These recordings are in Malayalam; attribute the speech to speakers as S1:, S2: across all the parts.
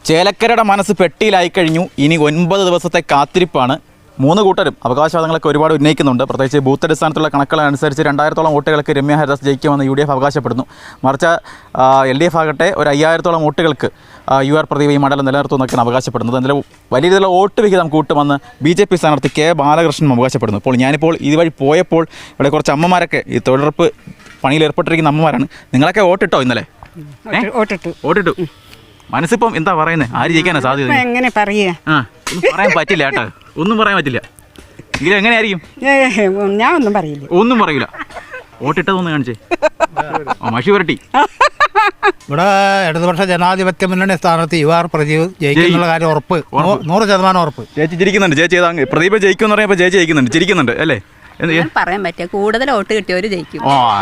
S1: ചേലക്കരയുടെ മനസ്സ് പെട്ടിയിലായി കഴിഞ്ഞു. ഇനി 9 ദിവസത്തെ കാത്തിരിപ്പാണ്. 3 കൂട്ടരും അവകാശവാദങ്ങളൊക്കെ ഒരുപാട് ഉന്നയിക്കുന്നുണ്ട്. പ്രത്യേകിച്ച് ബൂത്ത് അടിസ്ഥാനത്തുള്ള കണക്കുകളനുസരിച്ച് 2000-ഓളം വോട്ടുകൾക്ക് രമ്യ ഹരിദാസ് ജയിക്കുമെന്ന് UDF അവകാശപ്പെടുന്നു. മറിച്ച് LDF ആകട്ടെ ഒരു 5000-ഓളം വോട്ടുകൾക്ക് UR പ്രദീപ് ഈ മണ്ഡലം നിലനിർത്തുമെന്നൊക്കെയാണ് അവകാശപ്പെടുന്നത്. അതിൽ വലിയ രീതിയിലുള്ള വോട്ട് വിഹിതം കൂട്ടുമെന്ന് BJP സ്ഥാനാർത്ഥി K ബാലകൃഷ്ണൻ അവകാശപ്പെടുന്നു. ഇപ്പോൾ ഞാനിപ്പോൾ ഇതുവഴി പോയപ്പോൾ ഇവിടെ കുറച്ച് അമ്മമാരൊക്കെ ഈ തൊഴിലുറപ്പ് പണിയിൽ ഏർപ്പെട്ടിരിക്കുന്ന അമ്മമാരാണ്. നിങ്ങളൊക്കെ വോട്ടിട്ടോ ഇന്നലെ? വോട്ടിട്ടു. മനസ്സിപ്പം എന്താ പറയുന്നത്? ആര് ജയിക്കാനാ സാധ്യത?
S2: എങ്ങനെ പറയാ?
S1: പറയാൻ പറ്റില്ല കേട്ടോ, ഒന്നും പറയാൻ പറ്റില്ല. എങ്കിലും എങ്ങനെയായിരിക്കും?
S2: ഞാൻ ഒന്നും പറയില്ല.
S1: ഒന്നും പറയൂല. വോട്ടിട്ടതൊന്ന് കാണിച്ചേ. മഷി വരട്ടി.
S3: ഇവിടെ ഇടതുപക്ഷ ജനാധിപത്യ മുന്നണി സ്ഥാനത്ത് UR പ്രദീപ് ജയിക്കുന്നുള്ള കാര്യം ഉറപ്പ്, 100% ഉറപ്പ്.
S1: ചേച്ചി ചിരിക്കുന്നുണ്ട്. ചേച്ചി പ്രദീപ് ജയിക്കും എന്ന് പറയുമ്പോൾ ചേച്ചി ജയിക്കുന്നുണ്ട്, ചിരിക്കുന്നുണ്ട് അല്ലേ?
S4: പറയാൻ പറ്റിയ കൂടുതൽ വോട്ട് കിട്ടിയവര് ജയിക്കും.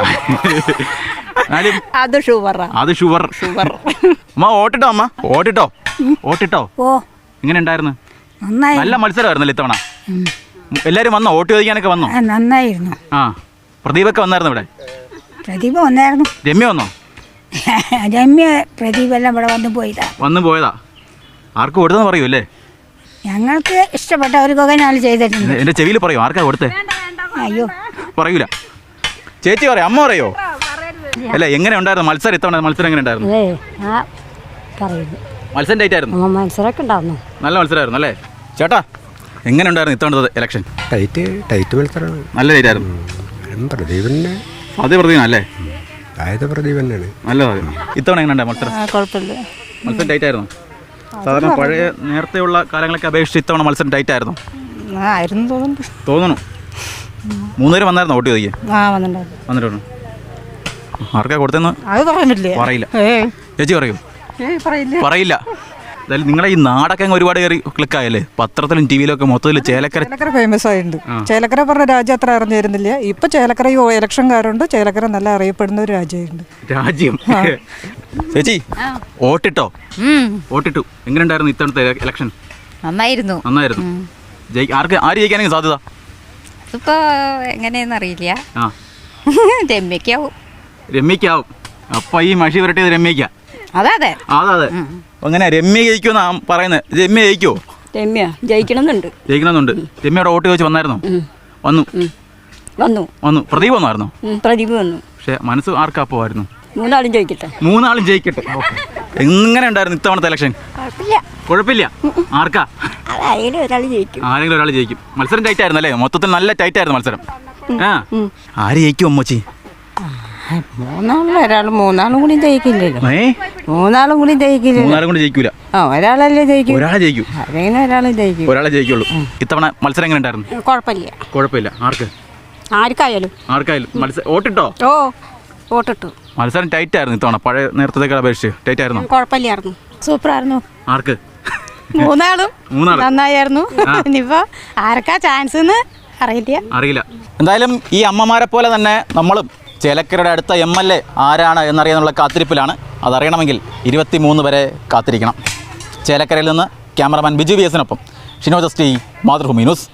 S1: അത് ഷുവർ. അമ്മ വോട്ടിട്ടോ? അമ്മ വോട്ടിട്ടോ? എങ്ങനെ ഉണ്ടായിരുന്നു? നല്ല മത്സരമായിരുന്നല്ലോ ഇത്തവണ. എല്ലാരും വന്നോ? വോട്ട് ചോദിക്കാനൊക്കെ വന്നോ?
S2: നന്നായിരുന്നു.
S1: പ്രദീപൊക്കെ വന്നായിരുന്നു ഇവിടെ?
S2: പ്രദീപ് വന്നായിരുന്നു.
S1: രമ്യ വന്നോ?
S2: രമ്യ പ്രദീപ് എല്ലാം ഇവിടെ വന്നു പോയതാ.
S1: ആർക്ക് കൊടുത്തെന്ന് പറയൂ അല്ലേ?
S2: ഞങ്ങൾക്ക് ഇഷ്ടപ്പെട്ടവർക്കൊക്കെ ഞാൻ ചെയ്തിട്ടുണ്ട്.
S1: എന്റെ ചെവിയിൽ പറയൂ ആർക്കാ കൊടുത്തേ?
S2: അയ്യോ
S1: പറയൂല. ചേച്ചി പറയോ? അമ്മ പറയോ? അല്ല, എങ്ങനെ ഉണ്ടായിരുന്നു മത്സരം? ഇത്തവണ മത്സരം എങ്ങനെ ഉണ്ടായിരുന്നു? മത്സരം ടൈറ്റ് ആയിരുന്നു.
S2: മത്സരമൊക്കെ ഉണ്ടായിരുന്നു.
S1: നല്ല മത്സരമായിരുന്നു അല്ലേ? ചേട്ടാ എങ്ങനെ ഉണ്ടായിരുന്നു ഇത്തവണത്തെ ഇലക്ഷൻ?
S5: ടൈറ്റ് മത്സരമാണ്.
S1: നല്ല ടൈറ്റ് ആയിരുന്നു.
S5: പ്രദീപന്നെ
S1: അതേ പ്രദീപനല്ലേ?
S5: പ്രദീപ് തന്നെയാണ്.
S1: നല്ലതായിരുന്നു. ഇത്തവണ എങ്ങനെ ഉണ്ടായി മത്സരം?
S2: കുഴപ്പമില്ല.
S1: മത്സരം ടൈറ്റ് ആയിരുന്നു. സാധാരണ പഴയ നേരത്തെയുള്ള കാലങ്ങളൊക്കെ അപേക്ഷിച്ച് ഇത്തവണ മത്സരം ടൈറ്റ് ആയിരുന്നു തോന്നുന്നു. 3 പേര് വന്നായിരുന്നു വോട്ട് ചോദിക്കാൻ? വന്നിട്ടുണ്ട്. ആർക്കാ കൊടുത്തെന്ന് പറയില്ല. ചേച്ചി പറയൂ? പറയില്ല. എന്തായാലും നിങ്ങളെ ഈ നാടൊക്കെ ഒരുപാട് കയറി ക്ലിക്കായല്ലേ? പത്രത്തിലും ടിവിയിലൊക്കെ മൊത്തത്തിൽ ചേലക്കര
S6: ഫേമസ് ആയിട്ടുണ്ട്. ചേലക്കര പറഞ്ഞ രാജ്യം അത്ര അറിഞ്ഞിരുന്നില്ല. ഇപ്പൊ ചേലക്കര ഇലക്ഷൻ കാരുണ്ട്. ചേലക്കര നല്ല അറിയപ്പെടുന്ന ഒരു
S1: രാജ്യം. ചേച്ചി വോട്ടിട്ടോ? വോട്ടിട്ടു. എങ്ങനെ ഉണ്ടായിരുന്നു ഇത്തവണത്തെ ഇലക്ഷൻ?
S4: നന്നായിരുന്നു.
S1: ആര് ജയിക്കാനെങ്കിൽ സാധ്യത?
S4: അതിപ്പോ എങ്ങനെയെന്ന് അറിയില്ല.
S1: രമ്യക്കാവും. അപ്പൊ ഈ മഷി വരട്ടിയത് രമ്യക്ക?
S4: അതെ.
S1: അങ്ങനെ രമ്യ ജയിക്കുമെന്നാ പറയുന്നത്. രമ്യ ജയിക്കുമോ?
S4: രമ്യ ജയിക്കണമെന്നുണ്ട്.
S1: രമ്യയുടെ വോട്ട് ചോദിച്ച് വന്നായിരുന്നോ? വന്നു. പ്രദീപ് വന്നായിരുന്നോ?
S4: പ്രദീപ് വന്നു.
S1: പക്ഷെ മനസ്സ് ആർക്കാ പോവായിരുന്നു?
S4: 3 ആളും ജയിക്കട്ടെ.
S1: എങ്ങനെ ഉണ്ടായിരുന്നു ഇത്തവണത്തെ ഇലക്ഷൻ? കുഴപ്പമില്ല. ആർക്കാ?
S4: ആരെങ്കിലും
S1: ഒരാൾ ജയിക്കും. മത്സരം ടൈറ്റ് ആയിരുന്നു അല്ലേ? മൊത്തത്തിൽ നല്ല ടൈറ്റ് ആയിരുന്നു മത്സരം. ആര് ജയിക്കും അമ്മച്ചി?
S2: മൂന്നാളും കൂടി ജയിക്കില്ലല്ലോ. മൂന്നാളും കൂടി
S1: ജയിക്കൂല.
S2: ഒരാളല്ലേ ജയിക്കും.
S1: ഒരാളെ ജയിക്കുള്ളൂ. ഇത്തവണ മത്സരം എങ്ങനെ ഉണ്ടായിരുന്നു? കുഴപ്പമില്ല. ആർക്കായാലും വോട്ടിട്ടോ?
S2: വോട്ടിട്ടു.
S1: മത്സരം ടൈറ്റ് ആയിരുന്നു ഇത്തവണ. പഴയ നേരത്തെ അപേക്ഷിച്ച് ടൈറ്റ് ആയിരുന്നു.
S2: കുഴപ്പമില്ലായിരുന്നു. സൂപ്പറായിരുന്നു.
S1: ആർക്ക്?
S2: മൂന്നാളും നന്നായിരുന്നു. ഇനിയിപ്പോ ആർക്കാ ചാൻസ് അറിയില്ല.
S1: എന്തായാലും ഈ അമ്മമാരെ പോലെ തന്നെ നമ്മളും ചേലക്കരയുടെ അടുത്ത MLA ആരാണ് എന്നറിയാനുള്ള കാത്തിരിപ്പിലാണ്. അതറിയണമെങ്കിൽ 23 വരെ കാത്തിരിക്കണം. ചേലക്കരയിൽ നിന്ന് ക്യാമറമാൻ ബിജു VS-നൊപ്പം ഷിനോ ജസ്റ്റി, മാതൃഭൂമി ന്യൂസ്.